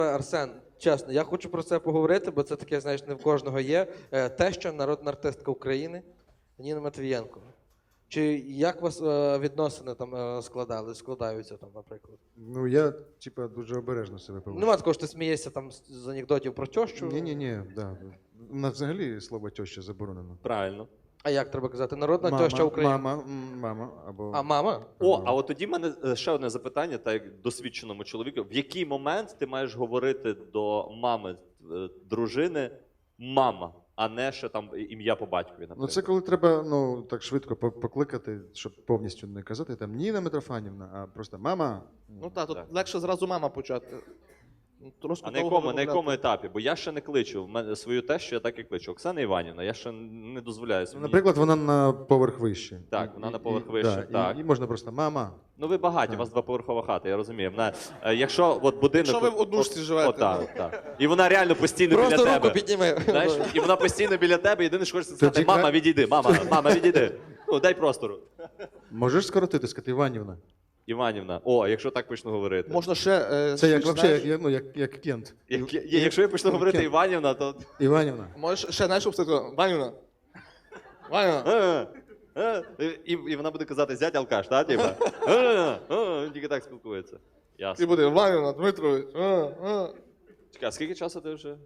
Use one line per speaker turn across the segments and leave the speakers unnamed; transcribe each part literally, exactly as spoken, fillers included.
Арсен, чесно, я хочу про це поговорити, бо це таке, знаєш, не в кожного є. Е, Теща, народна артистка України Ніна Матвієнко. Чи як у вас е, відносини там е, складали, складаються там, наприклад?
Ну, я, типа, дуже обережно себе поводжу.
Нема такого, що ти смієшся там з з анекдотів про тещу?
Ні-ні-ні, да. У нас взагалі слово теща заборонено.
Правильно.
А як треба казати? Народна
Мама,
теща України.
Мама, м, мама, або...
А мама?
О, а от тоді в мене е, ще одне запитання, так як досвідченому чоловіку. В який момент ти маєш говорити до мами е, дружини мама, а не ще там ім'я по батькові, наприклад?
Ну, це коли треба, ну, так швидко по- покликати, щоб повністю не казати там Ніна Митрофанівна, а просто мама.
Ну так, тут
Так.
легше зразу мама почати. Ну, трошки
А на
довго
якому, на
вимовляти.
якому етапі? Бо я ще не кличу. В мене свою тещу я так і кличу. Оксана Іванівна, я ще не дозволяю
Ну,
собі.
наприклад, вона на поверх вище.
Так, вона
І-
на поверх
і-
вище,
да,
так.
І, і можна просто мама.
Ну ви багаті, у вас двоповерхова хата, я розумію. Вона, е, якщо от будинок...
Якщо ви в однушці
от-
живете.
от так, так. І вона реально постійно
Просто
біля
руку
тебе.
підніми.
Знаєш, і вона постійно біля тебе, єдине, що хочеться сказати,
Тоді
мама,
ка-
відійди, мама, мама, відійди. Ну, дай простору.
Можеш скоротити, сказати Іванівна?
Іванівна, о, а якщо так почну говорити.
Можна ще... е,
Це як,
ще,
вообще,
знаєш,
як, ну, як, як Кент.
Як, я- якщо я почну говорити
Кент.
Іванівна, то...
Іванівна.
Можеш ще, знаєш, обстати, Ванюна. Ванюна.
Е, е, І, і вона буде казати, зять алкаш, так? Типа? Е, е, Він тільки так спілкується.
І
Ясно.
буде Ванюна, Дмитрович. А, а.
Чекай, а скільки часу ти вже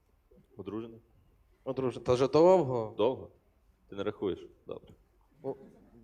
одружений?
Ну, друже, та вже довго.
Довго? Ти не рахуєш? Добре.
Ну,